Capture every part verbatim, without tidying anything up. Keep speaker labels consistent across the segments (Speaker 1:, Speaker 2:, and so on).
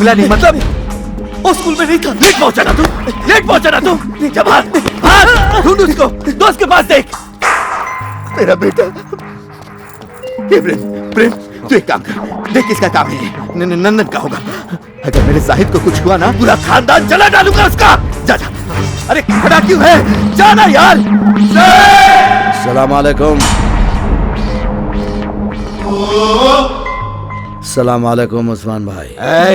Speaker 1: मिला नहीं मतलब वो स्कूल में नहीं था। लेट पहुंचा ना तू, लेट पहुंचा ना तू। जा भाग भाग, ढूंढ उसको, दोस्त के पास देख। मेरा बेटा ये प्रेम प्रेम तू एक काम कर, देख किसका काम है ये। नंदन का होगा। अगर मेरे साहिद को कुछ हुआ ना पूरा खानदान जला डालूंगा उसका। जा जा, अरे खड़ा क्यों है, जाना यार।
Speaker 2: सलाम अलैकुम। सलाम अलैकुम ওসমান ভাই।
Speaker 1: এই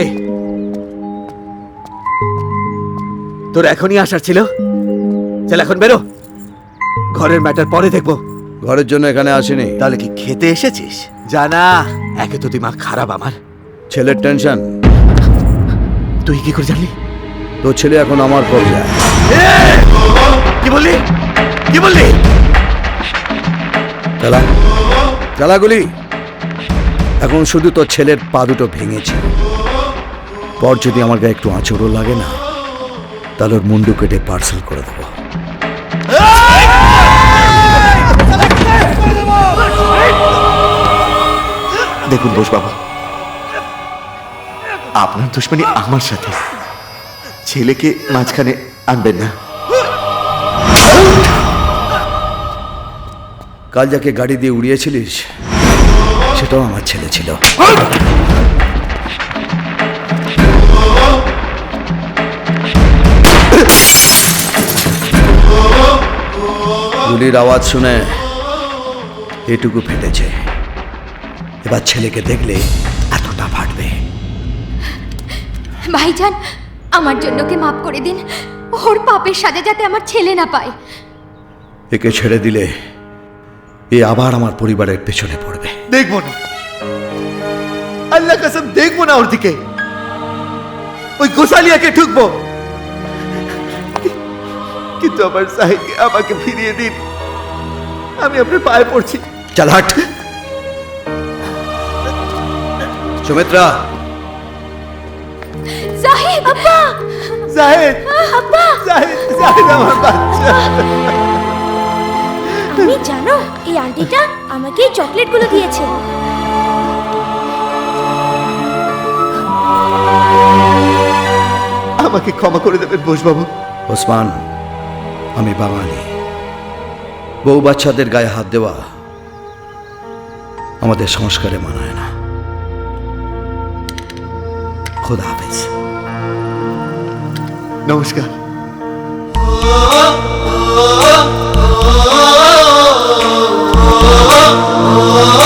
Speaker 1: তোর এখনই আসার ছিল? চল এখন বেরো, ঘরের ম্যাটার পরে দেখবো।
Speaker 2: ঘরের জন্য এখানে আসিনি।
Speaker 1: তাহলে কি খেতে এসেছিস? জানা একে তো দিমাগ খারাপ আমার।
Speaker 2: ছেলের টেনশন।
Speaker 1: তুই কি করে জানলি?
Speaker 2: তোর ছেলে এখন আমার কবজায়।
Speaker 1: কি বললি কি বললি?
Speaker 2: চালা চালা গুলি। এখন শুধু তোর ছেলের পা দুটো ভেঙেছে, পর যদি আমার গায়ে একটু আঁচড়ও লাগে না তাহলে ওর মুন্ডু কেটে পার্সেল করে দেবো।
Speaker 1: দেখুন বোস বাবু, আপনার দুশ্মনী আমার সাথে, ছেলেকে মাঝখানে আনবেন না।
Speaker 2: কাল যাকে গাড়ি দিয়ে উড়িয়েছিলিস সেটাও আমার ছেলে ছিল। গুলির আওয়াজ শুনে এটুকু ফেটেছে, এবার ছেলেকে দেখলে এতটা ফাটবে।
Speaker 3: ভাইজান, আমার জন্য কে মাফ করে দিন। ওর পাপের সাজা যাতে আমার ছেলে না পায়।
Speaker 2: একে ছেড়ে দিলে এ আবার আমার পরিবারের পেছনে পড়বে।
Speaker 1: দেখবো না, আল্লাহ কসম দেখবো না ওর দিকে। ওই গোসালিয়াকে ঠুকবো, কিন্তু আমার সাহিদকে আমাকে ফিরিয়ে দিন। আমি আপনার পায়ে পড়ছি।
Speaker 2: চল হাট। সুমিত্রা।
Speaker 3: জাহিদ আব্বা,
Speaker 1: জাহিদ
Speaker 3: আব্বা,
Speaker 1: জাহিদ জাহিদ আমার বাচ্চা।
Speaker 3: তুমি জানো এই আন্টিটা আমাকে এই চকলেটগুলো দিয়েছে।
Speaker 1: আমাকে ক্ষমা করে দেবেন বোসবাবু।
Speaker 2: ওসমান, আমি বাঙালি, বউ বাচ্চাদের গায়ে হাত দেওয়া আমাদের সংস্কারে মানায় না। খোদা হাফেজ।
Speaker 1: নমস্কার।
Speaker 4: Oh